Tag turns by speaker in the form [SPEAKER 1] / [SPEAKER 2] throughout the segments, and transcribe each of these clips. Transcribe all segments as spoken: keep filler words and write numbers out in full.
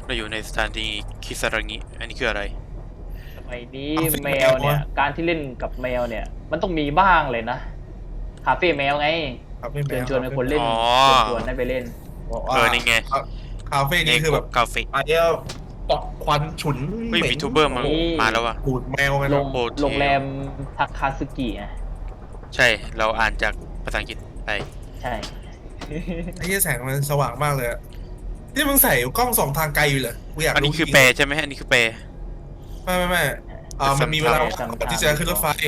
[SPEAKER 1] เราอยู่ในสถานีคิซารางิอันนี้คืออะไร
[SPEAKER 2] สมัยนี้แมวเนี่ยการที่เล่นกับแมวเนี่ยมันต้องมีบ้างเลยนะคาเฟ่แมวไง
[SPEAKER 3] คาเฟ่แม
[SPEAKER 2] เชิญ
[SPEAKER 3] ว
[SPEAKER 2] ชวนให้คนเล่น
[SPEAKER 1] อ๋อ
[SPEAKER 2] เชิญชวนให้ไปเล่น
[SPEAKER 3] บอก
[SPEAKER 1] เอ
[SPEAKER 3] ว่า
[SPEAKER 1] อนี่ไง
[SPEAKER 3] คาเฟ่นี้คือแบบ
[SPEAKER 1] กาเฟ่
[SPEAKER 3] ไอ้เนี้ยปอกควันฉุน
[SPEAKER 1] เฮ้ย
[SPEAKER 3] เหม็น
[SPEAKER 1] มีทูบเบอร์มา
[SPEAKER 2] นี่
[SPEAKER 1] มาแล้วว่ะ
[SPEAKER 3] ปูดแมวกัน
[SPEAKER 2] โร
[SPEAKER 3] นะ
[SPEAKER 2] ง
[SPEAKER 1] โฮเทล
[SPEAKER 2] โรงแรมทาคาซึกิอ่ะ
[SPEAKER 1] ใช่เราอ่านจากภาษาอังกฤษไป
[SPEAKER 2] ใช่
[SPEAKER 3] ไอ้เหี้ยแสงมันสว่างมากเลยอะนี่มึงใส่กล้องส่องทางไกลอยู่เหรอกูอยาก
[SPEAKER 1] อันนี้
[SPEAKER 3] รู้
[SPEAKER 1] คือ
[SPEAKER 3] จริงๆ
[SPEAKER 1] แปลใช่ไหมอันนี้คือแปล
[SPEAKER 3] ไม่ไม่ไม่อ่ามันมีเวลา
[SPEAKER 2] จำ
[SPEAKER 3] ก่อนที่จะขึ้นรถไฟ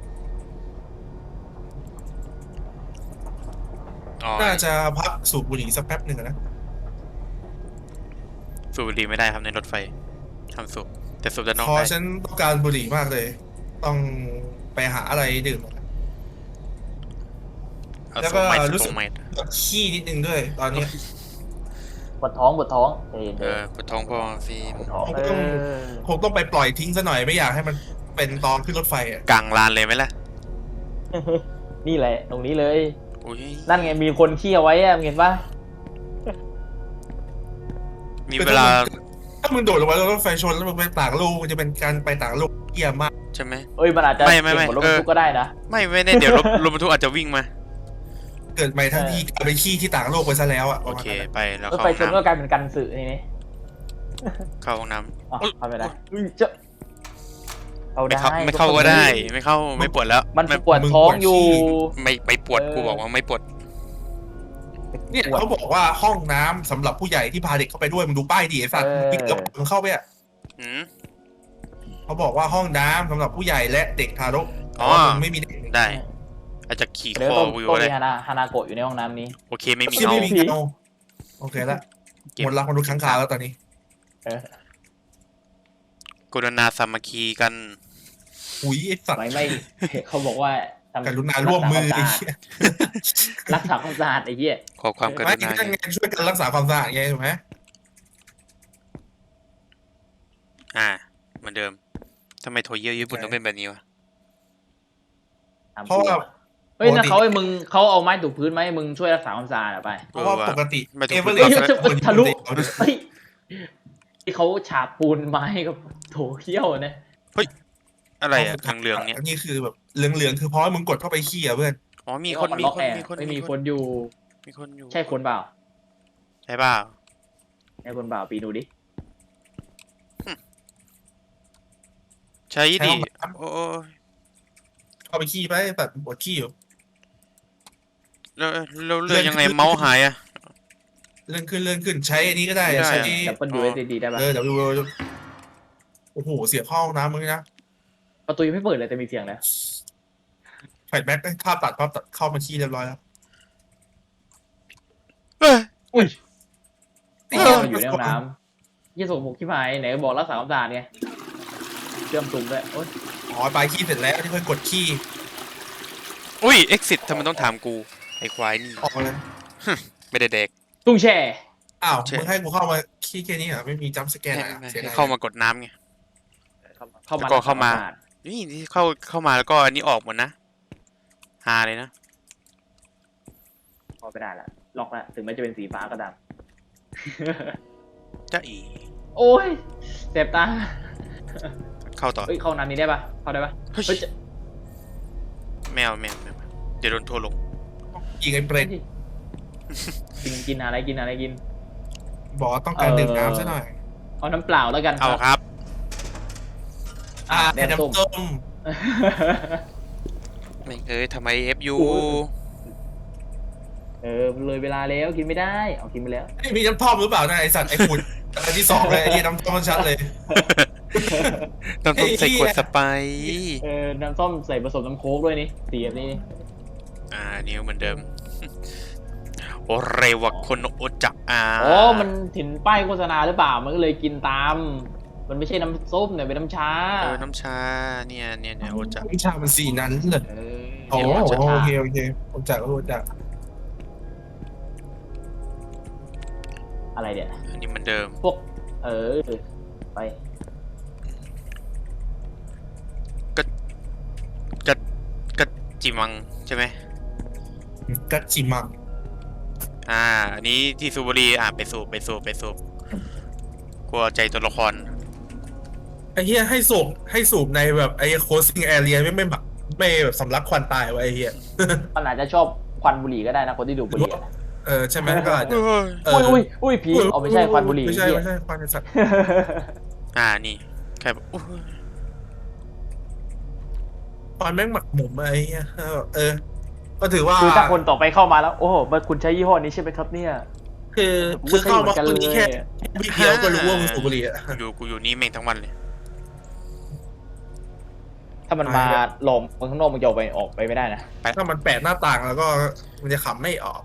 [SPEAKER 1] อ๋อ
[SPEAKER 3] น่าจะพักสูบบุหรี่สักแป๊บหนึ่งอะนะ
[SPEAKER 1] สูบบุหรี่ไม่ได้ครับในรถไฟทำสูบแต่สูบด้านนอก
[SPEAKER 3] พอ
[SPEAKER 1] ได้
[SPEAKER 3] ฉันต้องการบุหรี่มากเลย ต้องไปหาอะไรดื่ม
[SPEAKER 1] เอา
[SPEAKER 3] แล้ว
[SPEAKER 1] โซ
[SPEAKER 3] ก็
[SPEAKER 1] ไมต์
[SPEAKER 3] รู้
[SPEAKER 1] โซ
[SPEAKER 3] สึก
[SPEAKER 1] ไมต์
[SPEAKER 3] ขี้นิดนึงด้วย ตอนเนี้ย
[SPEAKER 2] ปวดท้องปวดท้องเออ
[SPEAKER 1] เออปวดท้องพอฟิล์ม
[SPEAKER 2] ปวดท้อง
[SPEAKER 3] คง
[SPEAKER 2] เอ
[SPEAKER 3] ต้อง
[SPEAKER 2] อ
[SPEAKER 3] คงต้องไปปล่อยทิ้งซะหน่อยไม่อยากให้มันเป็นตอนขึ้นรถไฟอ่ะ
[SPEAKER 1] กลางลานเลยไหมล่ะ
[SPEAKER 2] นี่แหละตรงนี้เลย
[SPEAKER 1] อุ้ย
[SPEAKER 2] นั่นไงมีคนขี้เอาไว้อะมึงเห็นปะ
[SPEAKER 1] มีเวลา
[SPEAKER 3] ถ้ามึงโดดลงมาแล้วรถไฟชนแล้วมึงไปต่างโลกมันจะเป็นการไปต่างโลกเยี่ยมมาก
[SPEAKER 1] ใช่ไหม
[SPEAKER 2] เอ้ยมันอาจจะ
[SPEAKER 1] ไม่ไม่ไม่
[SPEAKER 2] เก่งกว่ารถบร
[SPEAKER 1] เอ
[SPEAKER 2] ร
[SPEAKER 1] อ
[SPEAKER 2] ทุกก็ได้นะ
[SPEAKER 1] ไม่ไม่แน่เดี๋ยวรถรถบรรทุกอาจจะวิ่งมา
[SPEAKER 3] เกิดใหม่ทั้งที่กลายเป็นขี้ที่ต่างโลกไปซะแล้วอ่ะ
[SPEAKER 1] โอเคไปแล้ว
[SPEAKER 2] รถ
[SPEAKER 1] เข้า
[SPEAKER 2] ไฟ
[SPEAKER 1] ห้อง
[SPEAKER 2] ชนก็
[SPEAKER 1] น้ำ
[SPEAKER 2] กลายเป็นกันสื่อทีนี้
[SPEAKER 1] เข้าห้องน้
[SPEAKER 2] อ๋อ
[SPEAKER 1] ำอุ๊ย
[SPEAKER 2] เข้าไปได้อุ้ยเจ้าเอา
[SPEAKER 1] ไม่
[SPEAKER 2] ได้
[SPEAKER 1] เข้าไม่เข้าก็ได้ ไม่เข้าไม่ปวดแล้ว
[SPEAKER 2] มัน
[SPEAKER 1] ไม่
[SPEAKER 2] ปวดท้องอยู่
[SPEAKER 1] ไม่ไม่ปวด
[SPEAKER 2] เออ
[SPEAKER 1] กูบอกว่าไม่ปวด
[SPEAKER 3] เนี่ยเขาบอกว่าห้องน้ำสำหรับผู้ใหญ่ที่พาเด็กเข้าไปด้วยมึงดูป้ายดิไอ้สัตว์ปิดกระป๋องเข้าไปอ่ะ
[SPEAKER 1] อืม
[SPEAKER 3] เขาบอกว่าห้องน้ำสำหรับผู้ใหญ่และเด็กทารก
[SPEAKER 1] อ๋อ
[SPEAKER 3] แต่ว่ามึงไม่มีเด็ก
[SPEAKER 1] ได้ อาจจะขี่
[SPEAKER 2] เดี๋ยว
[SPEAKER 1] คอ
[SPEAKER 2] ต้อง
[SPEAKER 1] วิว
[SPEAKER 2] ต้อง
[SPEAKER 1] เล
[SPEAKER 2] มี
[SPEAKER 1] ย
[SPEAKER 2] ฮานาฮานาโกะอยู่ในห้องน้ำนี้
[SPEAKER 1] โอเคไม่มี
[SPEAKER 3] ที่
[SPEAKER 1] เงา
[SPEAKER 3] ไม่มีเงาโอเคละ
[SPEAKER 1] เก็บ
[SPEAKER 3] หมดรักมนุษย์ค้างคาวแล้วตอนนี้
[SPEAKER 2] เออก
[SPEAKER 1] รุณาสามัคคีกัน
[SPEAKER 3] อุ้ยไอ้สัตว์
[SPEAKER 2] ไม่ไม่เขาบอกว่าทำ
[SPEAKER 3] กรุณาร่วมมือ
[SPEAKER 2] รักษาความสะอาด
[SPEAKER 3] ไอ้
[SPEAKER 2] รักษาความสะอาดไอ้
[SPEAKER 3] เหี้ย
[SPEAKER 2] เหี้ย
[SPEAKER 1] ขอความก
[SPEAKER 3] ไม่
[SPEAKER 1] รุณา
[SPEAKER 3] นั่นไงช่วยกันรักษาความสะอาดไงถูกไหม
[SPEAKER 1] อ่าเหมือนเดิมทำไมโทเยอร์ญี่ปุ่นต้องเป็นแบบนี้วะ
[SPEAKER 3] เพราะว่า
[SPEAKER 2] เฮ้ยนะเขาให้มึงเขาเอาไม้ถูพื้นไหมาให้มึงช่วยรักษาความสะอาดอะไป
[SPEAKER 3] เพราะว่าปกติ
[SPEAKER 1] ไม่ถูก
[SPEAKER 3] เอเวอ
[SPEAKER 1] พูด
[SPEAKER 3] เร
[SPEAKER 1] ก่
[SPEAKER 3] ส
[SPEAKER 1] อน
[SPEAKER 2] จะทะลุ
[SPEAKER 3] เอา
[SPEAKER 2] เฮ้ยที่เขาฉาบปูนไม้กับโถเขี้ยวเนี่ย
[SPEAKER 1] อะไรอะเหลืองๆเนี่ย
[SPEAKER 3] อันนี้คือแบบเหลืองๆคือเพราะว่ามึงกดเข้าไปขี้อ่ะเพื่อน
[SPEAKER 1] อ๋อมีคน
[SPEAKER 2] เอา
[SPEAKER 1] มี
[SPEAKER 2] ล็อก
[SPEAKER 1] คน
[SPEAKER 2] แอร์
[SPEAKER 1] มีคน
[SPEAKER 2] ไม่มี
[SPEAKER 1] มี
[SPEAKER 2] คนอยู่
[SPEAKER 1] มีคนอยู่
[SPEAKER 2] ใช่คนเปล่า
[SPEAKER 1] ใช่เปล่า
[SPEAKER 2] ใช่คนเปล่าปีนูดิ
[SPEAKER 1] ใช่ดิ
[SPEAKER 3] ใช่ห้องน้ำ
[SPEAKER 1] โอ้ย
[SPEAKER 3] เข้าไปขี้ไปแบบปวดขี้อยู่
[SPEAKER 1] แล้วแล้วเลื่อนยังไงเมาส์หายอะ
[SPEAKER 3] เลื่อนขึ้นเลื่อนขึ้นใช้อันนี้ก็ได้
[SPEAKER 1] ไม่ได้
[SPEAKER 3] ใช้
[SPEAKER 2] ดับเบิลยูเอสดีได้ปะ
[SPEAKER 3] เออเดี๋ยวดูโอ้โหเสียบเข้าห้องน้ำมึงนะ
[SPEAKER 2] ประตูยังไม่เปิดเลยแต่มีเสียงแล้ว
[SPEAKER 3] แฟลชแบ็กภาพตัดภาพตัดเข้ามาขี้เรียบร้อยแล้ว
[SPEAKER 1] เอ้ย
[SPEAKER 2] อุ้ย
[SPEAKER 3] เอ
[SPEAKER 2] เอ
[SPEAKER 3] อ
[SPEAKER 2] ออยู่ในห้องน้ำยี่สกปรกที่หายไหนบอกรักษาความสะอาดไงเชื่อมตุ่มด้วยโอ๊ย
[SPEAKER 3] อ๋อไปขี้เสร็จแล้วที่ค่อยกดขี้
[SPEAKER 1] อุ้ย exit ทำไมต้องถามกู ไอ้ควายนี่
[SPEAKER 3] ออกเลย
[SPEAKER 1] ไม่ได้เด็ก
[SPEAKER 2] ตุ้งแช่
[SPEAKER 3] อ้าว
[SPEAKER 1] ใช่
[SPEAKER 3] มึงให้กูเข้ามาขี้แค่นี้เหรอไม่มีจัมป์สแกน
[SPEAKER 1] ให้
[SPEAKER 3] อ่ะ
[SPEAKER 1] ให้
[SPEAKER 3] เสียดาย
[SPEAKER 1] เข้ามากดน้ำไง
[SPEAKER 2] เข้ามา
[SPEAKER 1] แล้วก็เข้ามา
[SPEAKER 2] รัษควสะอด
[SPEAKER 1] นี่ที่เข้าเข้ามาแล้วก็อันนี้ออกหมดนะฮาเลยนะ
[SPEAKER 2] เข้าไปได้ละล็อกละถึงแม้จะเป็นสีฟ้าก็ตาม
[SPEAKER 1] จ้าอี
[SPEAKER 2] โอ้ยเจ็บตา
[SPEAKER 1] เข้าต่อ
[SPEAKER 2] เฮ้ยเข้าน้ำนี้ได้ปะเข้าได้ปะ
[SPEAKER 1] เฮ้ย
[SPEAKER 2] เฮ้ยจะ
[SPEAKER 1] แมวแมวแมวเดี๋ยวโดนทัวร์ลง
[SPEAKER 3] ยิงไอ้เปรต
[SPEAKER 2] กินกินอะไรกินอะไรกิน
[SPEAKER 3] บอกว่าต้องการดื่มน้ำซะหน่อย
[SPEAKER 2] เอาน้ำเปล่าแล้วกัน
[SPEAKER 1] เอาครับ
[SPEAKER 3] อ่า
[SPEAKER 2] แด
[SPEAKER 3] แต่
[SPEAKER 2] งส้ม
[SPEAKER 3] น้ำต้ม
[SPEAKER 1] ไม่เอ้ยทำไมเอฟยู
[SPEAKER 2] โอ้ย เออเลยเวลาแล้วกินไม่ได้เอากินไปแล้ว
[SPEAKER 3] ไอ้มีน้ำท่อมหรือเปล่านะไอสัตว์ไอ้ฝุ่นอันที่สองเลยไอ้เหี้ยน้ำท่อมมันชัดเลย
[SPEAKER 1] ต้องต้องใส่
[SPEAKER 3] ไอ้เหี้
[SPEAKER 1] ข
[SPEAKER 3] ย
[SPEAKER 1] วดสไปร์
[SPEAKER 2] เออน้ำส้มใส่ผสมน้ำโค้กด้วยนี่สีแบบนี้นี่
[SPEAKER 1] อ่านิ้วเหมือนเดิม โอเรวะคนโอจักอ่า
[SPEAKER 2] อ๋อมันถิ่นป้ายโฆษณาหรือเปล่ามันก็เลยกินตาม มันไม่ใช่น้ำส้มเนี่ยเป็นน้ำชา
[SPEAKER 1] เออน้ำชาเนี่ยเนี่ยเนี่ยโอจัก
[SPEAKER 3] วิชามันสีนั้นเลย
[SPEAKER 2] เออ
[SPEAKER 3] โอ้
[SPEAKER 2] นี่ย
[SPEAKER 3] โห
[SPEAKER 2] น้ำชา
[SPEAKER 3] โอเคโอเคผมจักก็รู้จัก
[SPEAKER 2] อะไรเนี่ย
[SPEAKER 1] อันนี้เหมือนเดิม
[SPEAKER 2] พวก เออไป
[SPEAKER 1] ก็จิมังใช่ไหม
[SPEAKER 3] กัจจิมัง
[SPEAKER 1] อ่าอันนี้ที่สูบบุหรีอ่าไปสูบไปสูบไปสูบกลัวใจตัวละคร
[SPEAKER 3] ไอ้เหี้ยให้สูบให้สูบในแบบไอ้โคสซิ่งแอเรียไม่ไม่แบบไม่แบบสำลักควันตายวะไอ้เหี้ย
[SPEAKER 2] มันอาจจะชอบควันบุหรี่ก็ได้นะคนที่ดูบุหรี่อะ
[SPEAKER 3] เออใช่ไหมก็อาจจะ เอ
[SPEAKER 2] อุ้
[SPEAKER 3] อย
[SPEAKER 2] อุ้ยอุ้ยผีเอาไม่ใช่ควันบุหรี่
[SPEAKER 3] ไม่ใช่
[SPEAKER 2] เหี้ย
[SPEAKER 3] ไม่ใช่ควันไอ้สัตว์
[SPEAKER 1] อ่านี่แค่แบบอุ๊ย
[SPEAKER 3] ควันแม่งหมักหมมอะไอ้เหี้ยเออ ก็ถือว่า
[SPEAKER 2] คือถ้าคนต่อไปเข้ามาแล้ว โอ้โหมันคุณใช้ยี่ห้อนี้ใช่ไหมครับเนี่ย
[SPEAKER 3] คือ
[SPEAKER 2] ผม
[SPEAKER 3] คือ
[SPEAKER 2] ก็ใช้
[SPEAKER 3] เข้า
[SPEAKER 2] เหมื
[SPEAKER 3] มา
[SPEAKER 2] อนกัน
[SPEAKER 3] คน
[SPEAKER 2] เล
[SPEAKER 3] นี้
[SPEAKER 2] ย
[SPEAKER 3] แค่วิเดียวก็รู้ว่ามึงสูบบุหรี่อะ
[SPEAKER 1] อยู่กูอยู่นี่แม่งทั้งวันเลย
[SPEAKER 2] ถ้ามันมาหลอมคนข้างนอกมันจะออกไปออกไปไม่ได้นะ
[SPEAKER 3] ถ้ามันแปลกหน้าต่างแล้วก็มันจะขำไม่ออก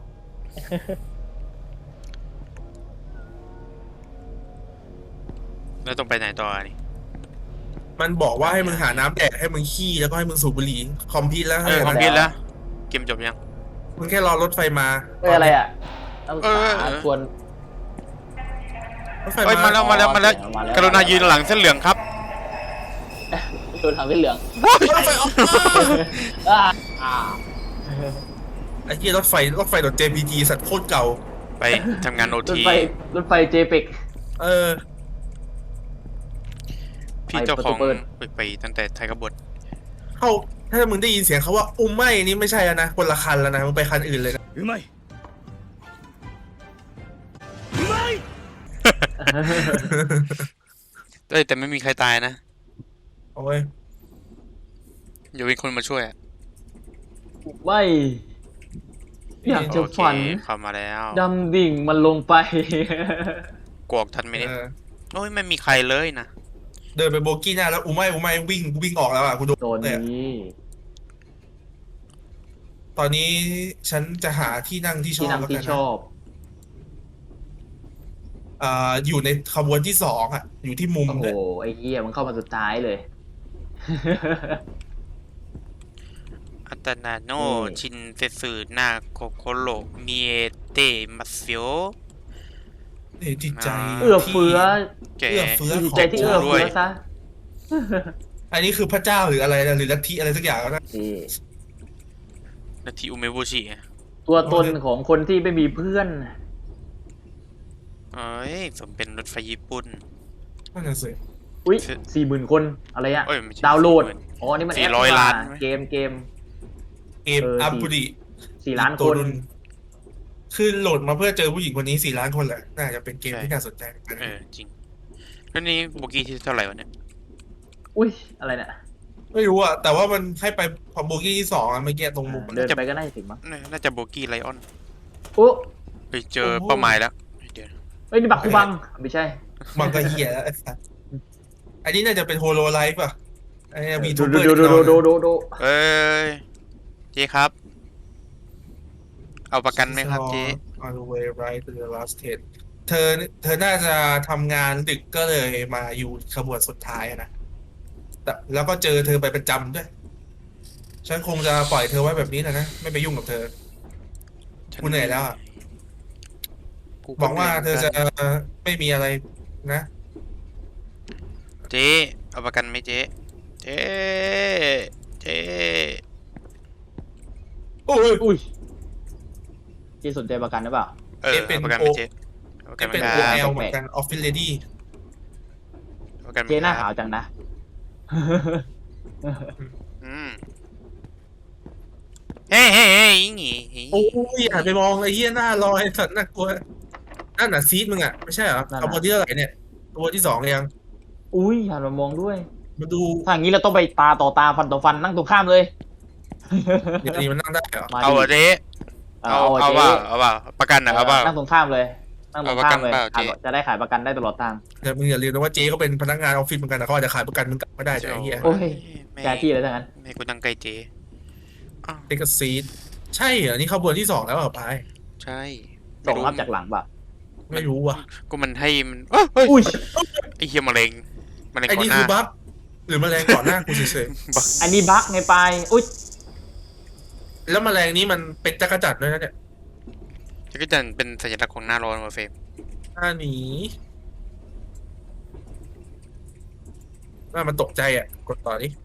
[SPEAKER 1] แล้วต้องไปไหนต่อนี่
[SPEAKER 3] มันบอกว่าให้มึงหาน้ำแดกให้มึงขี้แล้วก็ให้มึงสูบบุหรี่คอมพิวแล้ว
[SPEAKER 1] เออคอมพิวแล้วเกมจบยัง
[SPEAKER 3] มึงแค่รอรถไฟมา
[SPEAKER 2] เอออะไรอ่ะต้อง
[SPEAKER 1] เออ
[SPEAKER 2] หาชวน
[SPEAKER 3] รถไฟ
[SPEAKER 1] เอ้ยมา
[SPEAKER 3] มา
[SPEAKER 1] แล้วมาแล้วมาแล้ว
[SPEAKER 2] มาแล้ว
[SPEAKER 1] กรุณายืนหลังเส้นเหลืองครับ
[SPEAKER 2] ชวนทางเส้นเหลือง
[SPEAKER 3] รถไฟออก
[SPEAKER 2] อ่าอ่า
[SPEAKER 3] ไอ้ที่รถไฟรถไฟดอท เจ พี จี สัตว์โคตรเก่า
[SPEAKER 1] ไปทำงานโอ
[SPEAKER 2] รถ
[SPEAKER 1] ที
[SPEAKER 2] ไฟรถไฟเจเปก
[SPEAKER 3] เออ
[SPEAKER 1] พี่เจ้าของ
[SPEAKER 2] ไปประตูเปิด
[SPEAKER 1] ไปไปตั้งแต่ไทยกบฏ
[SPEAKER 3] เข้าถ้ามึงได้ยินเสียงเขาว่าอุ้มไม่นี่ไม่ใช่แล้วนะคนละคันแล้วนะมึงไปคันอื่นเลยนะ
[SPEAKER 4] うまい
[SPEAKER 1] เอ้ยแต่ไม่มีใครตายนะ
[SPEAKER 3] โอ้ย
[SPEAKER 1] อย่ามีคนมาช่วยอะ
[SPEAKER 2] ไม่อยากจะ
[SPEAKER 1] โอเค
[SPEAKER 2] ฝัน
[SPEAKER 1] เข้ามาแล้ว
[SPEAKER 2] ดำดิ่งมันลงไป
[SPEAKER 1] กวกทันไหมเนี่ย
[SPEAKER 3] เออ
[SPEAKER 1] โอ้ยไม่มีใครเลยนะ
[SPEAKER 3] เดินไปโบกี้หน้าแล้วอุ้มไม่อุ้มไม่วิ่งวิ่งออกแล้วอ่ะกูโดน
[SPEAKER 2] โดน
[SPEAKER 3] เลยอะ
[SPEAKER 2] นี้
[SPEAKER 3] ตอนนี้ฉันจะหาที่นั่งที่ช
[SPEAKER 2] ที่
[SPEAKER 3] อบ
[SPEAKER 2] นั่ง
[SPEAKER 3] แล้ว
[SPEAKER 2] ที่
[SPEAKER 3] กัน
[SPEAKER 2] ช
[SPEAKER 3] นะ
[SPEAKER 2] อบ
[SPEAKER 3] อ่าอยู่ในขบวนที่สองอ่ะ อยู่ที่มุม
[SPEAKER 2] โอ้โห
[SPEAKER 3] เลย
[SPEAKER 2] ไอ้เหี้ยมันเข้ามาสุดท้ายเลย
[SPEAKER 1] อัตนาโน
[SPEAKER 2] นี่
[SPEAKER 1] ชินเซสึนาโคโคโรมิเอเตมัสโย
[SPEAKER 3] เอ้ยจิตใจ
[SPEAKER 2] เอื้อเฟื้อ
[SPEAKER 1] แก
[SPEAKER 3] เอื้อเฟื้อ
[SPEAKER 2] จิต
[SPEAKER 3] ข
[SPEAKER 2] ใจที่เอื้อ
[SPEAKER 1] ด้ว
[SPEAKER 2] เฟื้
[SPEAKER 1] ย
[SPEAKER 2] อซะ
[SPEAKER 3] อันนี้คือพระเจ้าหรืออะไรนะหรือลัทธิอะไรสักอย่างแล้วนะ
[SPEAKER 2] นี่
[SPEAKER 1] นาทีอุเมบุชิอะ
[SPEAKER 2] ตัวตนของคนที่ไม่มีเพื่อน
[SPEAKER 1] เอ้ยสมเป็นรถไฟญี่ปุ่น
[SPEAKER 3] นั่นน่ะสิ
[SPEAKER 2] อุ้ย
[SPEAKER 1] คือ
[SPEAKER 2] สี่หมื่นคนอะไรอะ
[SPEAKER 1] เอ้ยไม่ใช่
[SPEAKER 2] ดาวน์โหลด
[SPEAKER 1] สี่หมื่น
[SPEAKER 2] อ๋อ นี่มันแอป
[SPEAKER 1] สี่ร้อย
[SPEAKER 2] นี่ห
[SPEAKER 1] ล้าน
[SPEAKER 2] เกมเกม
[SPEAKER 3] เกม
[SPEAKER 2] เออ
[SPEAKER 3] อัมบุริ
[SPEAKER 2] สี่ล้าน
[SPEAKER 3] ตั
[SPEAKER 2] คว น
[SPEAKER 3] รุ่คือโหลดมาเพื่อเจอผู้หญิงคนนี้สี่ล้านคนแหละ น่าจะเป็นเกมที่น่าสนใจเหมือนกัน
[SPEAKER 1] เออจริงแล้วนี่โบกี้ที่เท่าไหร่วะเนี่ย
[SPEAKER 2] อุ้ย อะไรเนี่ย
[SPEAKER 3] ไม่รู้อะแต่ว่ามันให้ไปพอโบกี้ที่สองอะเมื่อกี้ตรงมุมอะ
[SPEAKER 2] เดินไปก็น่าจะถึงมั้ง
[SPEAKER 1] น่าจะโบกี้ไลออน
[SPEAKER 2] โอ้
[SPEAKER 1] ไปเจอเป้าหมายแล้วเดี๋ยวนะ
[SPEAKER 2] เอ้ย นี่บักคูบัง ไม่ใช่
[SPEAKER 3] มันก็เหี้ยแล้วไอ้สัสอันนี้น่าจะเป็นโฮโลไลฟ์ป่ะไอ้มี
[SPEAKER 2] ดู
[SPEAKER 3] ทูบเบ
[SPEAKER 2] ดู
[SPEAKER 3] อร์
[SPEAKER 2] ดูดูดูดูดู
[SPEAKER 1] เอ้ยเจ๊ครับ เอาประกันไหมครับเจ๊
[SPEAKER 3] on the way right to the last stage เธอเธอน่าจะทำงานดึกก็เลยมาอยู่ขบวนสุดท้ายอะนะแต่แล้วก็เจอเธอไปประจำด้วย ฉันคงจะปล่อยเธอไว้แบบนี้แหละนะ ไม่ไปยุ่งกับเธอ กูเหนื่อยแล้วอะ
[SPEAKER 1] กู
[SPEAKER 3] หวังว่าเธอจะ
[SPEAKER 1] หนื่ยหมืนกัน
[SPEAKER 3] ไม่มีอะไรนะ
[SPEAKER 1] เจ๊เอาประกันไหมเจ๊เจ๊เจ๊
[SPEAKER 3] โอ้ย
[SPEAKER 2] อุ้ยที่สนใจประกันหรือเปล่า
[SPEAKER 1] เออ
[SPEAKER 3] เจ๊เป็น
[SPEAKER 1] เอาประกันไหม
[SPEAKER 3] โอ
[SPEAKER 1] เจ๊เอาประกั
[SPEAKER 3] จะ
[SPEAKER 1] นไหม
[SPEAKER 3] เป็น
[SPEAKER 1] ค
[SPEAKER 3] โอ
[SPEAKER 1] รับ
[SPEAKER 3] แอลเหมือนกันออฟฟิศเลดี้
[SPEAKER 1] เอาประกันไหม
[SPEAKER 2] เจ๊หน้า
[SPEAKER 1] ค
[SPEAKER 2] ขา
[SPEAKER 1] รั
[SPEAKER 2] ว
[SPEAKER 1] บ
[SPEAKER 2] จังนะ
[SPEAKER 1] อืมเฮ้ยเฮ้ยเฮ้ยอย่างงี้
[SPEAKER 3] โอ้ยอย่าไปมองไอ้เหี้ยหน้าลอยสัตว์น่ากลัวนั่นน่ะซีดมึงอ่ะ ไม่ใช่เหรอ
[SPEAKER 2] นั่นน่ะ
[SPEAKER 3] ขบวนที่เท่าไหร่เนี่ยขบวนที่สองยัง
[SPEAKER 2] อุ้ยหันมามองด้วย
[SPEAKER 3] มาดู
[SPEAKER 2] ถ้าอย่างนี้เราต้องไปตาต่อตาฟันต่อฟันนั่งตรงข้ามเลย
[SPEAKER 3] เดี๋ยวนี้มันนั่งได้เหรอ
[SPEAKER 2] มา
[SPEAKER 1] เอา
[SPEAKER 2] ดิ
[SPEAKER 1] อะเจ๊
[SPEAKER 2] เอา
[SPEAKER 1] เอา
[SPEAKER 2] เอา
[SPEAKER 1] เอา
[SPEAKER 2] เจ๊
[SPEAKER 1] ว่าเอาว่าประกันนะเอาว่า
[SPEAKER 2] นั่งตรงข้ามเลย นั่งตรงข้ามเลย
[SPEAKER 1] เอาประกันเปล่าเจ๊
[SPEAKER 2] ขายจะได้ขายประกันได้ตลอดทาง
[SPEAKER 3] แต่มึงอย่าลืมนะว่าเจ๊เขาเป็นพนักงานออฟฟิศเหมือนกันนะเขาอาจจะขายประกันมึงกลับไม่ได้แต่ไอ้เหี้ย
[SPEAKER 2] โอ้ย
[SPEAKER 1] ไม่
[SPEAKER 2] แกที่เลยทั้งนั้น
[SPEAKER 1] ไม่กูนั่งใกล้เจ๊อ้าว
[SPEAKER 3] เด็กซีดใช่เหรอนี่ขบวนที่สองแล้วเหรอพาย
[SPEAKER 1] ใช่
[SPEAKER 2] ส่งรับจากหลังป่ะ
[SPEAKER 3] ไม่รู้ว่ะ
[SPEAKER 1] กูมันให้มันเอ้ยเฮ้ย
[SPEAKER 2] อุ้ย
[SPEAKER 1] ไอเฮียมะเร็งมะเร็ง
[SPEAKER 3] ไอ้
[SPEAKER 1] ก่อน
[SPEAKER 3] นี่
[SPEAKER 1] ห
[SPEAKER 3] คื
[SPEAKER 1] น้า
[SPEAKER 3] อบัฟหรือแมลงก่อนหน้ากูเฉย
[SPEAKER 1] บัก
[SPEAKER 2] อันนี้บั๊กไงปลายอุ้ย
[SPEAKER 3] ๆแล้วแมลงนี้มันเป็นจักรจัดด้วยนะเนี่ย
[SPEAKER 1] จะก็จะเป็นสัญลักษณ์ของหน้าร้อนมาเฟรม
[SPEAKER 3] หน้าหนีน่ามันตกใจอ่ะกดต่อดิ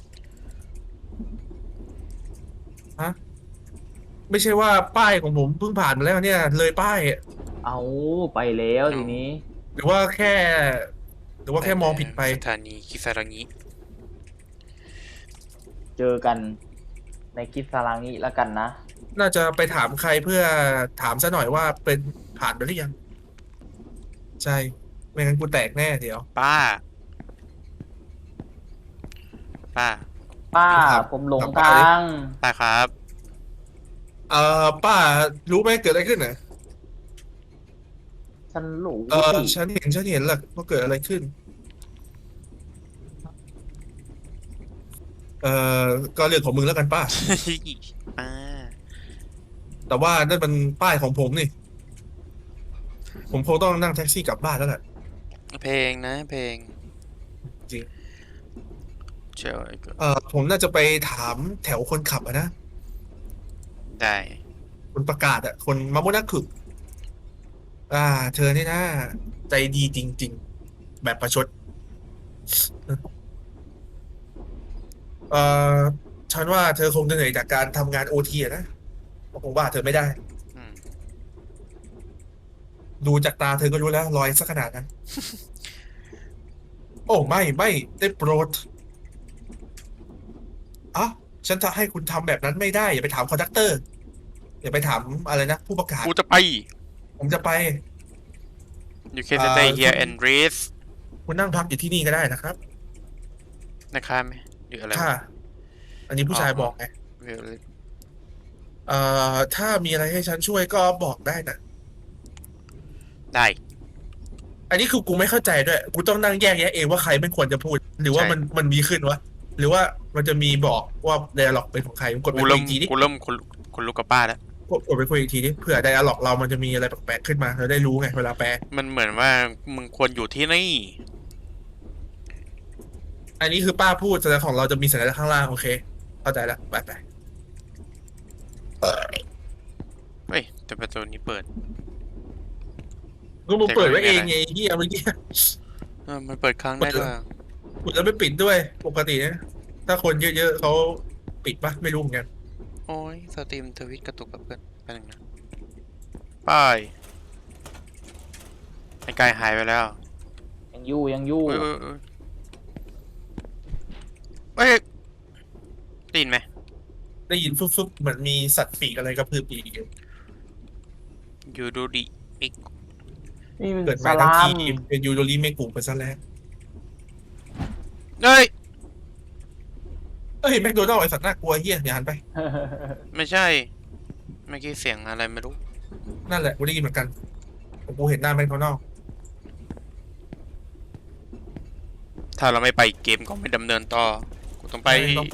[SPEAKER 3] ฮะไม่ใช่ว่าป้ายของผมเพิ่งผ่านมาแล้วเนี่ย เลยป้ายอะ
[SPEAKER 2] เอาไปแล้วทีนี้
[SPEAKER 3] หรือว่าแค่ หรือว่าแค่มองผิดไป
[SPEAKER 1] สถานีคิซารังิ
[SPEAKER 2] เจอกันในคิดสารางิแล้วกันนะ
[SPEAKER 3] น่าจะไปถามใครเพื่อถามซะหน่อยว่าเป็นผ่านไปหรือยัง ใช่ ไม่งั้นกูแตกแน่เดี๋ยว
[SPEAKER 1] ป้า ป้า
[SPEAKER 2] ป้า
[SPEAKER 3] ครับ
[SPEAKER 2] ผมหลง
[SPEAKER 3] ครับ
[SPEAKER 2] ทาง
[SPEAKER 1] ป้าครับ
[SPEAKER 3] เอ่อป้ารู้ไหมเกิดอะไรขึ้นน่ะ
[SPEAKER 2] ฉันรู้
[SPEAKER 3] เออ
[SPEAKER 2] สิ
[SPEAKER 3] ฉันเห็นฉันเห็นแหละว่าเกิดอะไรขึ้น เออก็เรื่องของมึงแล้วกันป้า
[SPEAKER 1] ป้า
[SPEAKER 3] แต่ว่านั่นมันป้ายของผมนี่ ผมคงต้องนั่งแท็กซี่กลับบ้านแล้วแหละ
[SPEAKER 1] เพลงนะเพลง
[SPEAKER 3] จริง
[SPEAKER 1] เจ้าก็
[SPEAKER 3] เออผมน่าจะไปถามแถวคนขับอะนะ
[SPEAKER 1] ได้
[SPEAKER 3] คนประกาศอะคนมาโมนักขึกอ่า เธอนี่นะใจดีจริง ๆ แบบประชด เออฉันว่าเธอคงจะเหนื่อยจากการทำงานโอทีนะผมว่าเธอไม่ได้
[SPEAKER 1] อืม
[SPEAKER 3] ดูจากตาเธอก็รู้แล้วรอยสักขนาดนั้น โอ้ไม่ไม่ได้โปรดอ่ะฉันจะให้คุณทำแบบนั้นไม่ได้ อย่าไปถามคอนดักเตอร์ อย่าไปถามอะไรนะ ผู้ประกาศ
[SPEAKER 1] กูจะไป
[SPEAKER 3] ผมจะไป
[SPEAKER 1] you can
[SPEAKER 3] อ่า
[SPEAKER 1] stay
[SPEAKER 3] คุ
[SPEAKER 1] here
[SPEAKER 3] ณ
[SPEAKER 1] and rest
[SPEAKER 3] คุณนั่งพักอยู่ที่นี่ก็ได้นะครับ
[SPEAKER 1] นะครับไหมหรืออะไร
[SPEAKER 3] ค่ะ
[SPEAKER 1] วะ
[SPEAKER 3] อันนี้ผู้ชาย
[SPEAKER 1] อ๋อ
[SPEAKER 3] บอกไง
[SPEAKER 1] Really?
[SPEAKER 3] เอ่อถ้ามีอะไรให้ฉันช่วยก็บอกได้นะ
[SPEAKER 1] ได้
[SPEAKER 3] อันนี้คือกูไม่เข้าใจด้วย กูต้องนั่งแยกแยะเองว่าใครไม่ควรจะพูด หรือว่า
[SPEAKER 1] ใช่
[SPEAKER 3] มันมันมีขึ้นวะ หรือว่ามันจะมีบอกว่าไดอะล็อกเป็นของใครกดไป
[SPEAKER 1] กู
[SPEAKER 3] คุย
[SPEAKER 1] เริ่ม
[SPEAKER 3] อีกทีดิ
[SPEAKER 1] กูเริ่มคนคนลุกกับป้าแล้ว
[SPEAKER 3] กดกดไปคุยอีกทีดิเผื่อไดอะล็อกเรามันจะมีอะไรแปลกๆขึ้นมาเราได้รู้ไงเวลาแปล
[SPEAKER 1] มันเหมือนว่ามึงควรอยู่ที่นี่
[SPEAKER 3] อันนี้คือป้าพูดแต่ของเราจะมีสัญลักษณ์ข้างล่างโอเค เข้าใจแล้วไปไป
[SPEAKER 1] เฮ้ยแต่ประตูนี้เปิด
[SPEAKER 3] ก็มึงเปิดไว้เองไงไอ้เฮียเมื่อกี้
[SPEAKER 1] เออมันเปิดครั้งได้ด้วย
[SPEAKER 3] กูจะไม่ปิดด้วยปกตินะถ้าคนเยอะๆเขาปิดปะไม่รู้เหมือนกัน
[SPEAKER 1] โอ้ยสตรีมทวิตกระตุกกับเพื่อนไปหนึ่งนะป้ายไอ้กายหายไปแล้ว
[SPEAKER 2] ยังอยู่ยังอยู่
[SPEAKER 1] เอ้ยเอ้ยเอ้ยเอ้ยได้ยินไหม
[SPEAKER 3] ได้ยินฟึบๆเหมือนมีสัตว์ปีกอะไรกระพือปีกอยู่
[SPEAKER 1] ยูดูดิมิก
[SPEAKER 2] นี่มัน
[SPEAKER 3] เกิด
[SPEAKER 2] ส
[SPEAKER 3] มาทั้ง
[SPEAKER 2] ลา
[SPEAKER 3] ที
[SPEAKER 2] ม
[SPEAKER 3] เป็นยูโดริเมกุไปซะแล้ว
[SPEAKER 1] เฮ้ย
[SPEAKER 3] เอ้ยแมคโดนัลด์ไอสัตว์น่ากลัวเฮียอย่าหันไป
[SPEAKER 1] ไม่ใช่เมื่อกี้เสียงอะไรไม่รู้
[SPEAKER 3] นั่นแหละกูได้ยินเหมือนกันผมกูเห็นหน้าแมคโดนัลด์
[SPEAKER 1] ถ้าเราไม่ไปเกมก็ไม่ดำเนินต่อกูต้องไป
[SPEAKER 3] ต้องไป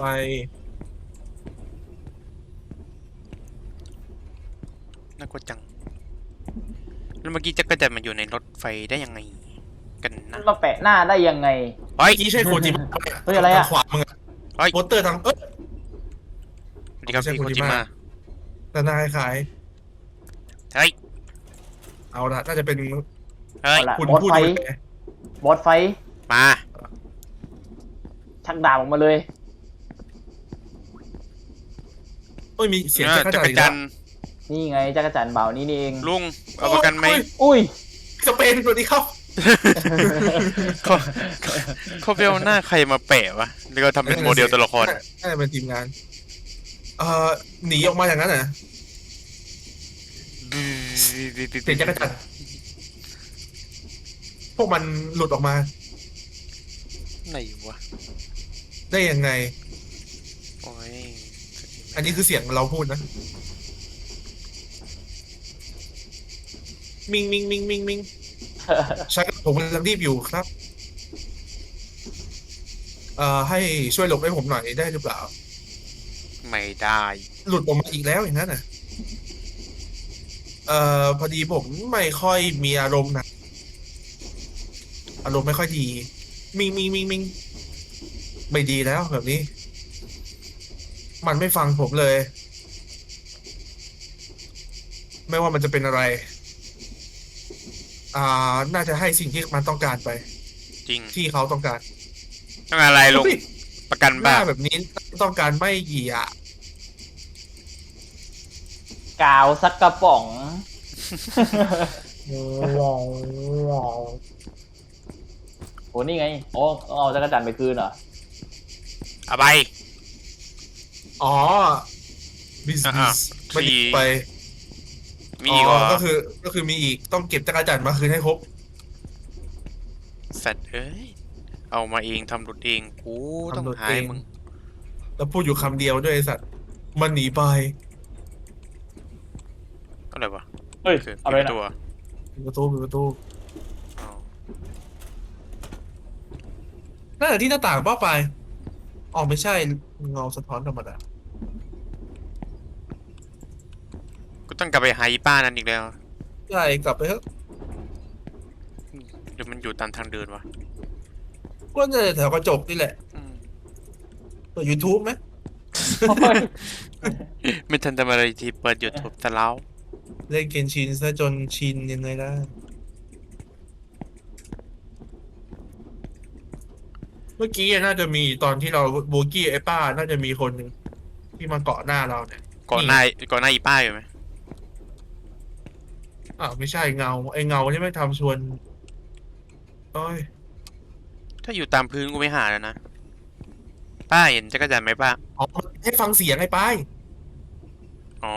[SPEAKER 1] น่ากลัวจังแล้วเมื่อกี้จักรจันทร์มันอยู่ในรถไฟได้ยังไงกันนะ
[SPEAKER 2] มาแปะหน้าได้ยังไง
[SPEAKER 1] เฮ้ย
[SPEAKER 3] เมื่อกี้ใช่โคจิมะ
[SPEAKER 2] เฮ้ยอะไรอะ
[SPEAKER 3] ทางขวามึงอะ
[SPEAKER 1] เฮ้ย
[SPEAKER 3] โปสเตอร์ทางเอ้ย
[SPEAKER 1] สวัสดีครับ
[SPEAKER 3] ไม่ใช่
[SPEAKER 1] พี่โค
[SPEAKER 3] โคจิ
[SPEAKER 1] จิ
[SPEAKER 3] มะ
[SPEAKER 1] มะ
[SPEAKER 3] แต่หน้าคล้าย
[SPEAKER 1] เฮ้ย
[SPEAKER 3] ๆเอาละน่าจะเป็น
[SPEAKER 1] เฮ้ย
[SPEAKER 2] เอาละ
[SPEAKER 3] คุณ
[SPEAKER 2] บอส
[SPEAKER 3] พูด
[SPEAKER 2] ไฟ
[SPEAKER 3] ดูแล
[SPEAKER 2] บอสไฟ
[SPEAKER 1] มา
[SPEAKER 2] ชักดาบออกมาเลย
[SPEAKER 3] เอ้ยมีเสียง
[SPEAKER 1] เนี่ย
[SPEAKER 3] จักร
[SPEAKER 1] จั
[SPEAKER 3] จัน
[SPEAKER 1] ก
[SPEAKER 3] ท
[SPEAKER 1] ร
[SPEAKER 3] ร์อีก
[SPEAKER 1] จั
[SPEAKER 3] แล้ว
[SPEAKER 1] นทร์
[SPEAKER 2] นี่ไงจักรจันทร์เบานี่นี่เอง
[SPEAKER 1] ลุงเอาประกันไหม
[SPEAKER 3] โอ้ย
[SPEAKER 2] อุ้ย
[SPEAKER 3] สเปนสวัสดีครับ
[SPEAKER 1] เขาเขาเขาไปเอาหน้าใครมาแปะวะแล้วก็ทำเป็นโมเดลตัวละคร
[SPEAKER 3] น่าจะเป็นทีมงาน เอ่อหนีออกมาอย่างนั้นเหรอเสียงจักรจันทร์พวกมันหลุดออกมา
[SPEAKER 1] ไหนวะ
[SPEAKER 3] ได้ยังไง
[SPEAKER 1] โอ้ย
[SPEAKER 3] อันนี้คือเสียงเราพูดนะ มิงมิงมิงมิงมิงใช่ครับผมกำลังรีบอยู่ครับ เอ่อให้ช่วยหลบให้ผมหน่อยได้หรือเปล่า
[SPEAKER 1] ไม่ได้
[SPEAKER 3] หลุดออกมาอีกแล้วอย่างนั้นน่ะ เอ่อพอดีผมไม่ค่อยมีอารมณ์นะอารมณ์ไม่ค่อยดี มิงมิงมิงมิงไม่ดีแล้วแบบนี้ มันไม่ฟังผมเลย ไม่ว่ามันจะเป็นอะไร อ่า น่าจะให้สิ่งที่มันต้องการไป
[SPEAKER 1] จริง
[SPEAKER 3] ที่เขาต้องการ
[SPEAKER 1] ต้องอะไรลุง
[SPEAKER 3] เฮ้ย
[SPEAKER 1] ประกัน
[SPEAKER 3] ห
[SPEAKER 1] บ้า
[SPEAKER 3] น้าแบบนี้ต้องการไม่เหยียะ
[SPEAKER 2] กาวสักกระป๋องโหนี่ไงโอ้เอาจักรจันทร์ไปคืนเหรอ
[SPEAKER 1] เอาไป
[SPEAKER 3] อ๋อบิส
[SPEAKER 1] อ่ะ
[SPEAKER 3] บิ
[SPEAKER 1] อ่ะ
[SPEAKER 3] สมันหยิบ
[SPEAKER 1] ทรี
[SPEAKER 3] ไป
[SPEAKER 1] มีอีกเหรอ
[SPEAKER 3] ก็คือก็คือมีอีกต้องเก็บจักรจันทร์มาคืนให้ครบ
[SPEAKER 1] สัตว์เอ้ย เอามาเองทำหลุดเอง กูต้อง
[SPEAKER 3] ทำหลุด
[SPEAKER 1] หาย
[SPEAKER 3] เอง
[SPEAKER 1] มึง
[SPEAKER 3] แล้วพูดอยู่คำเดียวด้วยไอ้สัตว์มันหนีไป
[SPEAKER 1] อะไรวะ
[SPEAKER 2] เฮ้ย
[SPEAKER 1] คือ
[SPEAKER 2] อะไร
[SPEAKER 1] ปิด
[SPEAKER 2] นะ
[SPEAKER 1] ตัว
[SPEAKER 3] ปิดประตูปิดประตู
[SPEAKER 1] อ๋อ
[SPEAKER 3] น่าจะที่หน้าต่างเป้าไปอ๋อไม่ใช่เงาสะท้อนธรรมดา
[SPEAKER 1] กูต้องกลับไปหาอีป้านั้นอีกแล้ว
[SPEAKER 3] ใช่กลับไปเถอะ
[SPEAKER 1] เดี๋ยวมันอยู่ตามทางเดินวะ
[SPEAKER 3] ก็จะแถวกระจกนี่แหละ
[SPEAKER 1] อืม
[SPEAKER 3] เปิด YouTube ไหม
[SPEAKER 2] โอ้ย
[SPEAKER 1] ไม่ทันทำอะไรที่เปิดยูทูบซะแล้ว
[SPEAKER 3] เล่นเกนชินซะจนชินยังไงได้เมื่อกี้น่าจะมีตอนที่เราโบกี้ไอ้ป้าน่าจะมีคนหนึ่งที่มาเกาะหน้าเราเนี่ย
[SPEAKER 1] ก่อนหน้าก่อนหน้าอีป้าอยู่ไหม
[SPEAKER 3] อ้าวไม่ใช่เงาไอ้เงาที่ไม่ทำชวนเอ้ย
[SPEAKER 1] ถ้าอยู่ตามพื้นกูไม่หาแล้วนะ ป้าเห็นจักรจันทร์ไหมป้า
[SPEAKER 3] อ๋อให้ฟังเสียงไอ้ป้าย
[SPEAKER 1] อ๋อ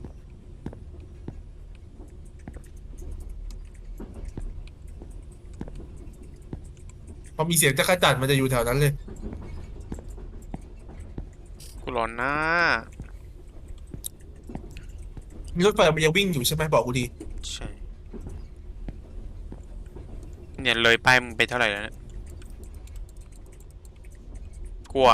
[SPEAKER 3] พอมีเสียงจักรจันทร์มันจะอยู่แถวนั้นเลย
[SPEAKER 1] กูร้อนหน้า
[SPEAKER 3] มีรถไฟมันยังวิ่งอยู่ใช่ไหมบอกกูดี
[SPEAKER 1] ใช่ เนี่ยเลยป้ายมึงไปเท่าไหร่แล้วเนี่ยกลัว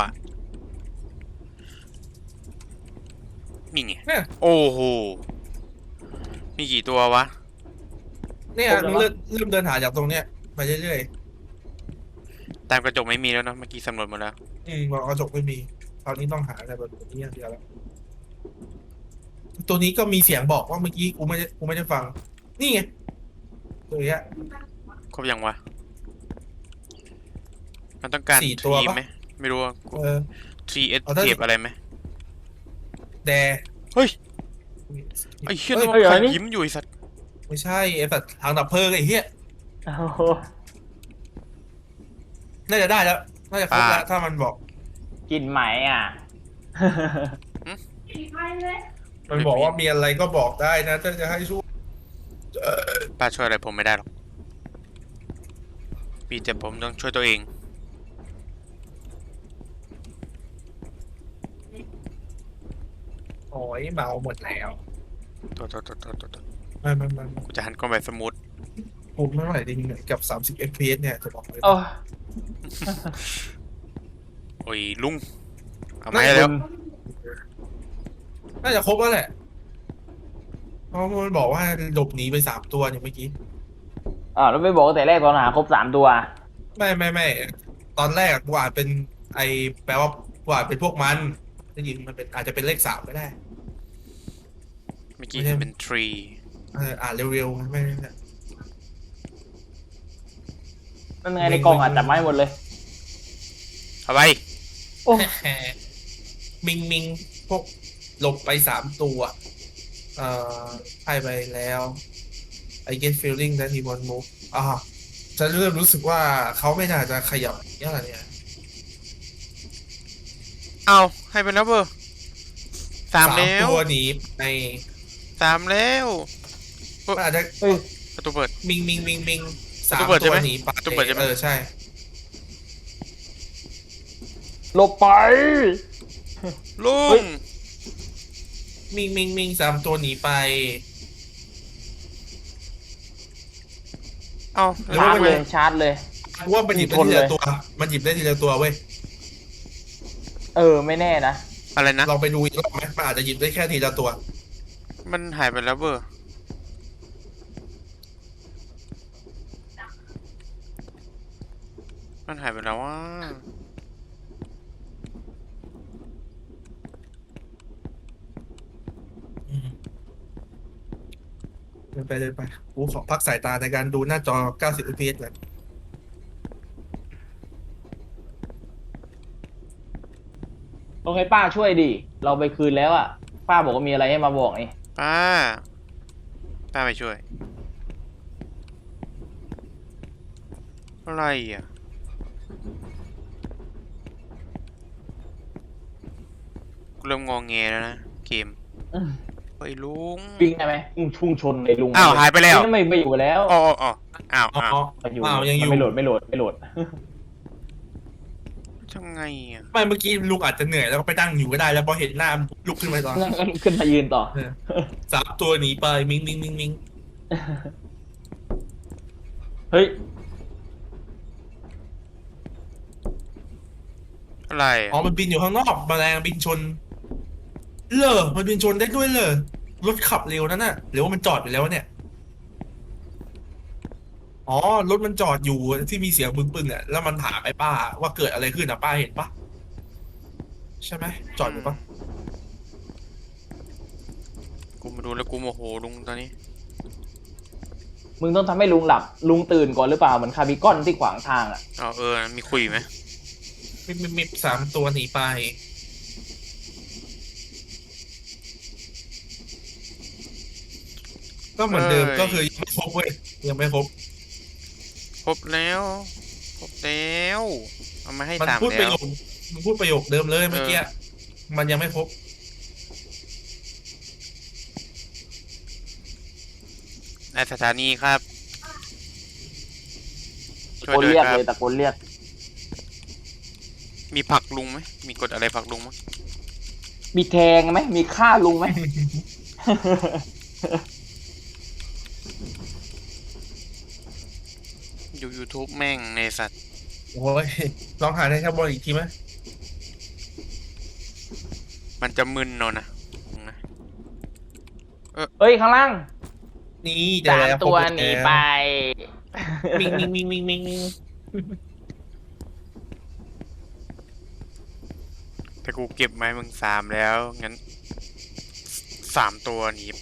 [SPEAKER 1] นี่ไง
[SPEAKER 3] เนี่ย
[SPEAKER 1] โอ้โห มีกี่ตัววะ
[SPEAKER 3] เนี่ยมึงเริ่มเริ่มเดินหาจากตรงเนี้ยไปเรื่อย
[SPEAKER 1] ตามกระจกไม่มีแล้วเนอะเมื่อกี้สำรวจหมดแล้ว
[SPEAKER 3] ๆอืมบอกกระจกไม่มีตอนนี้ต้องหาอะไรแบบนี้อย่างเดียวแล้วตัวนี้ก็มีเสียงบอกว่าเมื่อกี้กูไม่ได้กูไม่ได้ฟัง นี่ไงตัวเนี้ย
[SPEAKER 1] ครบยังวะ มันต้องการ
[SPEAKER 3] สี่
[SPEAKER 1] ท
[SPEAKER 3] ตัว
[SPEAKER 1] รี
[SPEAKER 3] ปะ
[SPEAKER 1] ไหม ไม่รู้ว่า
[SPEAKER 3] เออ
[SPEAKER 1] ทรีเอส
[SPEAKER 3] เอาถ้า
[SPEAKER 1] เก็บอะไรไหม
[SPEAKER 3] แด
[SPEAKER 1] เฮ้ย ไอ้เหี้ย
[SPEAKER 3] เฮ้
[SPEAKER 1] นั่
[SPEAKER 3] ย
[SPEAKER 1] นมันใครยิ้มอยู่ไอ้สัตว์
[SPEAKER 3] ไม่ใช่ไอ้สัตว์ทางดับเพลิงไอ้เหี้ย
[SPEAKER 2] โอ้โห
[SPEAKER 3] น่าจะได้แล้วน่าจะครบแล้วถ้ามันบอก
[SPEAKER 2] กินไหมอ่ะ
[SPEAKER 3] มันบอกว่ามีอะไรก็บอกได้นะถ้าจะให้ช่วย
[SPEAKER 1] ป้าช่วยอะไรผมไม่ได้หรอกมีแต่ผมต้องช่วยตัวเอง
[SPEAKER 3] โอ้ยเมาหมดแล้ว
[SPEAKER 1] ตัวตัวตัวตัวตัวตัว
[SPEAKER 3] ไม่ไม่ไม่
[SPEAKER 1] กูจะหันกล้องแบบสมูท
[SPEAKER 3] ผมไม่ไหวจริงๆกับสามสิบ เอฟ พี เอส เนี่ยจะบอกเลย
[SPEAKER 2] โอ้
[SPEAKER 1] โอ้ยลุง เอามาให้แล้ว
[SPEAKER 3] น่าจะครบแล้วแหละเพราะมันบอกว่าหลบหนีไปสามตัวเนี่ยเมื่อกี้
[SPEAKER 2] อ่าวแล้วไม่บอกตั้งแต่แรกตอนหาครบสามตัว
[SPEAKER 3] ไม่ไม่ไม่ตอนแรกกูอ่านเป็นไอแปลว่ากูอ่านเป็นพวกมันได้ยินมันเป็นอาจจะเป็นเลขสามก็ได้
[SPEAKER 1] เมื่อกี้เห็นเป็นทรี
[SPEAKER 3] เอออ่านเร็วๆไม่ไม่ไม่
[SPEAKER 2] นั่นไงในกล่องอ่ะจับไมาให้หมดเลย
[SPEAKER 1] เอาไป
[SPEAKER 2] โอ้
[SPEAKER 3] มิงมิงพวกหลบไปสามตัวเอ่อให้ไปแล้ว I get feeling that he won't move อ่าฉันเริ่มรู้สึกว่าเขาไม่น่าจะขยับอย่างไรเนี่ย
[SPEAKER 1] เอาให้ไปแล้วเบอร์สามแล้ว
[SPEAKER 3] ตัวหนีใน
[SPEAKER 1] สามแล้ว
[SPEAKER 3] มันอาจจะ
[SPEAKER 2] เฮ้ย
[SPEAKER 1] ประตูเปิด
[SPEAKER 3] มิงมิงมิงมิงสาม
[SPEAKER 1] ประตูเปิดใช่
[SPEAKER 3] ตัว
[SPEAKER 1] ไหม
[SPEAKER 3] หนีไป
[SPEAKER 1] ประตูเปิดใช่ไหม
[SPEAKER 3] เออใช่
[SPEAKER 2] หลบไป
[SPEAKER 1] ลุ
[SPEAKER 2] เฮ้
[SPEAKER 1] ง
[SPEAKER 2] ย
[SPEAKER 3] มิงมิงมิงสามตัวหนีไป
[SPEAKER 1] เอา
[SPEAKER 3] หรือ
[SPEAKER 2] ชา
[SPEAKER 3] ว่า
[SPEAKER 2] ร์จ
[SPEAKER 3] มัน
[SPEAKER 2] เลยชาร์จเลย
[SPEAKER 3] กูว่ามันหยิบได้
[SPEAKER 2] มีคน
[SPEAKER 3] ที
[SPEAKER 2] เล
[SPEAKER 3] ละ
[SPEAKER 2] ย
[SPEAKER 3] ตัว มันหยิบได้ทีละตัวเว้ย
[SPEAKER 2] เออไม่แน่นะ
[SPEAKER 1] อะไรนะ
[SPEAKER 3] ลองไปดูอีกรอบไหมมันอาจจะหยิบได้แค่ทีละตัว
[SPEAKER 1] มันหายไปแล้วเบอร์ มันหายไปแล้วว่า
[SPEAKER 3] เดินไปเดินไปกูขอพักสายตาในการดูหน้าจอ เก้าสิบ เอฟ พี เอส ก่อน
[SPEAKER 2] ต้องให้ป้าช่วยดิ เราไปคืนแล้วอ่ะ ป้าบอกว่ามีอะไรให้มาบอกไง
[SPEAKER 1] ป้า ป้าไปช่วยอะไรอ่ะกูเริ่มงองแงแล้วนะเกม
[SPEAKER 2] อืม
[SPEAKER 1] ไอ้ยลุง
[SPEAKER 2] วิ่งได้ไหมอืมพุ่งชนไอ้ลุง
[SPEAKER 1] อ้าวหายไปแล้ว
[SPEAKER 2] นี่ไม่ไม่อยู่แล้ว
[SPEAKER 1] อ๋ออ๋ออ๋ออ้าว
[SPEAKER 3] อ๋อ
[SPEAKER 1] อ้าว
[SPEAKER 2] ไม่อยู่
[SPEAKER 3] อ้าวยังอยู่
[SPEAKER 2] มันไม่โหลดไม่โหลดไม่โหลด
[SPEAKER 1] ทำไงอ่ะ
[SPEAKER 3] ไม่เมื่อกี้ลุงอาจจะเหนื่อยแล้วก็ไปนั่งอยู่ก็ได้แล้วพอเห็นหน้าลุกขึ้นมาตอน
[SPEAKER 2] นั่งขึ้นมายืนต่อ
[SPEAKER 3] เออ สามตัวหนีไปมิงมิงมิงมิง
[SPEAKER 2] เฮ้ย
[SPEAKER 1] อะไรอ่ะ
[SPEAKER 3] อ๋อมันบินอยู่ข้างนอกแมลงบินชนเลอมันบินชนได้ด้วยเลยรถขับเร็วนั่นน่ะหรือว่ามันจอดไปแล้วเนี่ยอ๋อรถมันจอดอยู่ที่มีเสียงปึ้งๆอ่ะแล้วมันถามไอ้ป้าว่าเกิดอะไรขึ้นอ่ะป้าเห็นปะใช่ไหมจอดอยู่ปะ
[SPEAKER 1] กูมาดูแล้วกูโมโหลุงตอนนี้
[SPEAKER 2] มึงต้องทำให้ลุงหลับ ลุงตื่นก่อนหรือเปล่าเหมือนคาร์บิคอนที่ขวางทางอ่ะ
[SPEAKER 1] อ๋อเออ มีคุยไหม
[SPEAKER 3] มิบมิบมิบสามตัวหนีไปก็เหมือนเดิมก็คือยังไม่ครบเว้ยยังไม่ครบ
[SPEAKER 1] ครบแล้วครบแล้วเอามาให้
[SPEAKER 3] มัน
[SPEAKER 1] สาม
[SPEAKER 3] พูดป
[SPEAKER 1] แล้
[SPEAKER 3] ระ
[SPEAKER 1] ว
[SPEAKER 3] โยคมันพูดประโยคเดิมเลยเมื่อกี้
[SPEAKER 1] เออ
[SPEAKER 3] มันยังไม่ครบ
[SPEAKER 1] ในสถานีครับ
[SPEAKER 2] ตะ
[SPEAKER 1] ช่วย
[SPEAKER 2] โกน
[SPEAKER 1] ด้วย
[SPEAKER 2] เรียก
[SPEAKER 1] ครั
[SPEAKER 2] เล
[SPEAKER 1] บ
[SPEAKER 2] ยตะโกนเรียก
[SPEAKER 1] มีผลักลุงไหมมีกดอะไรผลักลุงมั้ย
[SPEAKER 2] มีแทงไหมมีฆ่าลุงไหม
[SPEAKER 1] อยู่ YouTube แม่งในสัตว์
[SPEAKER 3] โอ้ยลองหาในแคปบอลอีกทีไหม
[SPEAKER 1] มันจะมึนเนอะนะนะ
[SPEAKER 2] เฮ้ย ข้างล่าง
[SPEAKER 3] นี่เจอ
[SPEAKER 2] สาม
[SPEAKER 3] แล้ว
[SPEAKER 2] ตัว
[SPEAKER 3] ครบ
[SPEAKER 2] หนี
[SPEAKER 3] แล้ว
[SPEAKER 2] ไป
[SPEAKER 3] มิงมิงมิงมิงมิงมิง
[SPEAKER 1] แต่กูเก็บไม้มึงสามแล้ว งั้นสามตัวหนีไป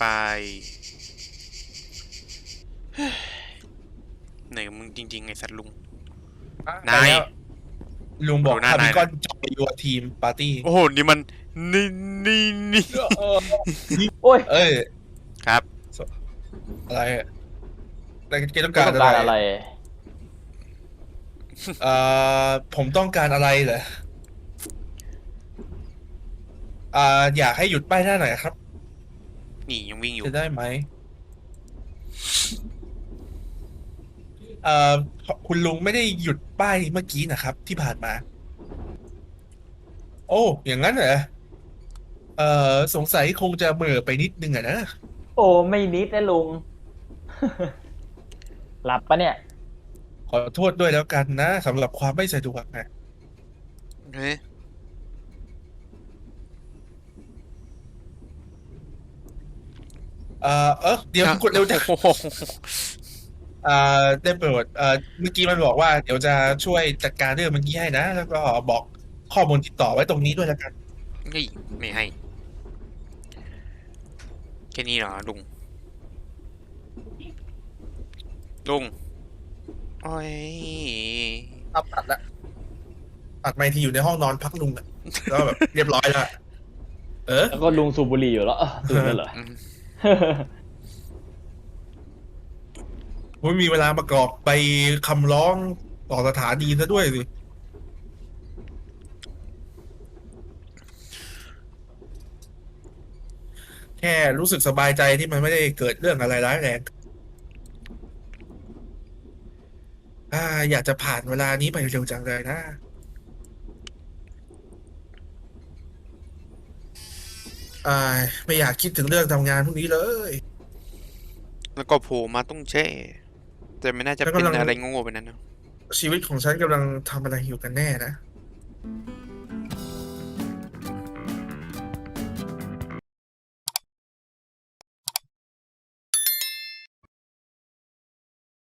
[SPEAKER 1] เหนื่อยกับมึงจริงๆไอ้สัตว์ลุง นาย
[SPEAKER 3] แล้วลุงบอก
[SPEAKER 1] ดูหน้า
[SPEAKER 3] คาบิ
[SPEAKER 1] นาย
[SPEAKER 3] กอนจอยยูทีมปาร์ตี้
[SPEAKER 1] โอ้โห นี่มัน นี่นี่นี่
[SPEAKER 2] โอ้ย
[SPEAKER 3] เอ้ย
[SPEAKER 1] ครับ
[SPEAKER 3] อะไรอะอะไรแกต้อง
[SPEAKER 2] ต้
[SPEAKER 3] การ
[SPEAKER 2] อง
[SPEAKER 3] อะ
[SPEAKER 2] การ
[SPEAKER 3] ไร
[SPEAKER 2] อะไร
[SPEAKER 3] เอ่อผมต้องการอะไรเหรออ่าอยากให้หยุดป้ายหน้าหน่อยครับ
[SPEAKER 1] นี่ยังวิ่งอยู่
[SPEAKER 3] จะได้ไหมเอ่อคุณลุงไม่ได้หยุดป้ายเมื่อกี้นะครับ ที่ผ่านมา โอ้อย่างนั้นเหรอเอ่อสงสัยคงจะเหม่อไปนิดนึงอะนะ
[SPEAKER 2] โอ้ไม่นิดนะลุง หลับปะเนี่ย
[SPEAKER 3] ขอโทษด้วยแล้วกันนะสำหรับความไม่สะดวกนะ
[SPEAKER 1] เฮ้ย
[SPEAKER 3] เอ่อเออเดี๋ยวกดเร็วจัง
[SPEAKER 1] โอ้โห
[SPEAKER 3] เอ่อได้โปรดเอ่อเมื่อกี้มันบอกว่าเดี๋ยวจะช่วยจัดการเรื่องเมื่อกี้ให้นะ แล้วก็บอกข้อมูลติดต่อไว้ตรงนี้ด้วยแล้วกัน
[SPEAKER 1] นี่ไม่ให้ แค่นี้เหรอลุง ลุง โอ้ย
[SPEAKER 3] ตัดตัดละตัดไปที่อยู่ในห้องนอนพักลุงอะแล้วแบบเรียบร้อยแล้ว เออ
[SPEAKER 2] แล้วก็ลุงสูบบุหรี่อยู่แล้วเออตื่นแล้วเหรอ
[SPEAKER 1] อืม
[SPEAKER 3] ไม่มีเวลาประกอบไปคำร้องต่อสถานีซะด้วยสิ แค่รู้สึกสบายใจที่มันไม่ได้เกิดเรื่องอะไรร้ายแรงอ่าอยากจะผ่านเวลานี้ไปเร็วจังเลยนะ อ่า ไม่อยากคิดถึงเรื่องทำงานพวกนี้เลย
[SPEAKER 1] แล้วก็โผล่มาต้องแช่ แต่ไม่น่าจะ
[SPEAKER 3] แล้ว
[SPEAKER 1] เป็น
[SPEAKER 3] กำลัง
[SPEAKER 1] อะไรโง่ๆไปนั้นนะ
[SPEAKER 3] ชีวิตของฉันกำลังทำอะไรอยู่กันแน่นะ